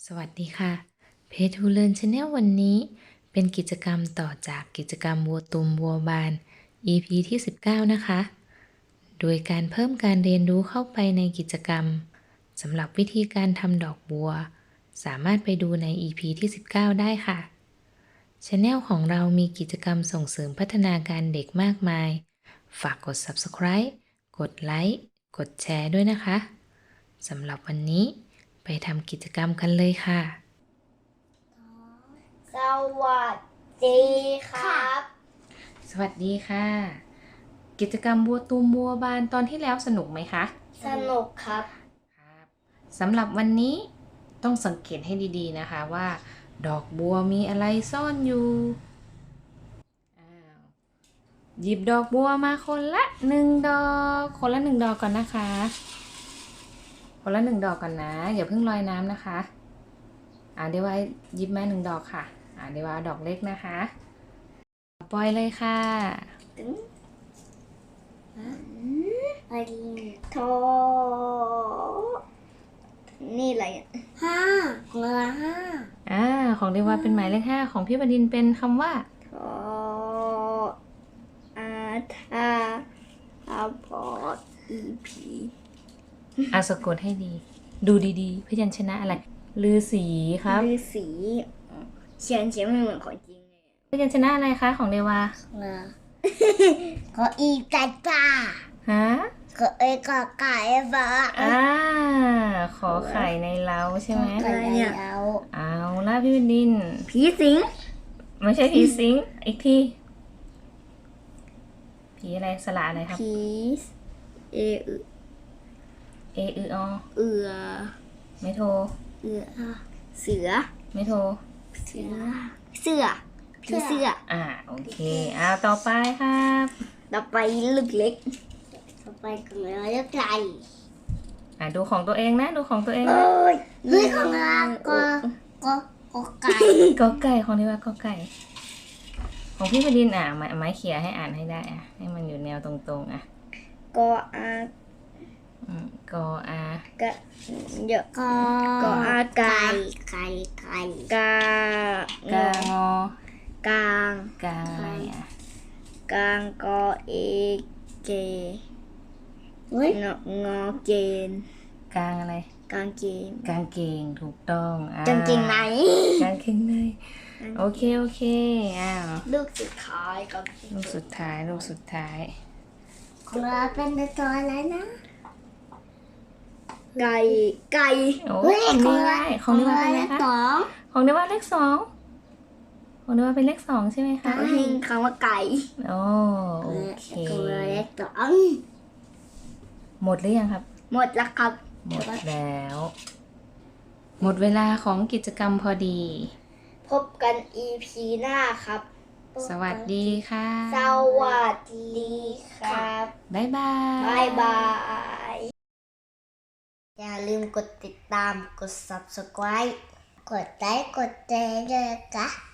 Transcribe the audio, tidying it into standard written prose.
สวัสดีค่ะเพจ To Learn Channel วันนี้เป็นกิจกรรมต่อจากกิจกรรมวัวตุมวัวบาน EP ที่ 19 นะคะ โดยการเพิ่มการเรียนรู้เข้าไปในกิจกรรมสำหรับวิธีการทำดอกบัว สามารถไปดูใน EP ที่ 19 ได้ค่ะ Channel ของเรามีกิจกรรมส่งเสริมพัฒนาการเด็กมากมาย ฝากกด Subscribe กดไลค์กดแชร์ด้วยนะคะสำหรับวันนี้ไปทำกิจกรรมกันเลยค่ะสวัสดีครับสวัสดีค่ะ กิจกรรมบัวตูมบัวบานตอนที่แล้วสนุกไหมคะสนุกครับครับสำหรับวันนี้ต้องสังเกตให้ดีๆนะคะว่า ดอกบัวมีอะไรซ่อนอยู่หยิบดอกบัวมาคนละ1 ดอก คนละ1 ดอกก่อนนะคะ คนละ1 ดอกก่อนนะอย่าเพิ่งลอยน้ำนะคะเดี๋ยวว่าหยิบมา1 ดอกค่ะเดี๋ยวว่าดอกเล็กนะคะปล่อยเลยค่ะอันโทนี่อะไรห้าของเรา5 ของเดวาเป็นหมายเลข 5ของพี่บดินทร์เป็นคำว่าทออาทาอาพออีพีสะกดให้ดี ดูดีๆพยัญชนะอะไรลือสีครับฤาษีเขียนไม่เหมือนของจริงเลยพยัญชนะอะไรคะของเดวาขออีกาจ้าฮะขอเอกาไก่บ้าขอไข่ในเล้าใช่ไหมอะไรเนี่ยเอาล่ะพี่บดินทร์ผีสิงไม่ใช่ผีสิงอีกทีผีอะไรสระอะไรครับผีเออเอออเอือไม่โทรเอือเสือไม่โทรเสือเสือผีเสือโอเคต่อไปครับต่อไปลูกเล็กต่อไปของเราเล็กใหญ่ดูของตัวเองนะดูของตัวเองนะเฮ้ยของเราก็ไก่กอไก่ของเดวากอไก่ ของพี่บดินทร์ไม้เขี่ยให้อ่านให้ได้ให้มันอยู่แนวตรงๆก็อากออากะเยอะก็อาไก่กากกางอกางกางอะไรกางก็เอเกงอเกนกางอะไรกางเกงกางเกงถูกต้องกางเกงไหนกางเกงในโอเคลูกสุดท้ายกับลูกสุดท้ายของเราเป็นตัวอะไรนะไก่ของนี่ได้ของนี่ว่าเป็นอะไรคะ ของนี่ว่าเลข 2ของนี่ว่าเป็นเลข 2ใช่ไหมคะเห็นคำว่าไก่โอเคของเราเลข2 หมดหรือยังครับหมดแล้วครับหมดแล้ว หมดเวลาของกิจกรรมพอดีพบกัน EP หน้าครับสวัสดีค่ะสวัสดีครับบ๊ายบายบ๊ายบาย อย่าลืมกดติดตาม กด Subscribe กดไลค์ กดแชร์ด้วยนะคะ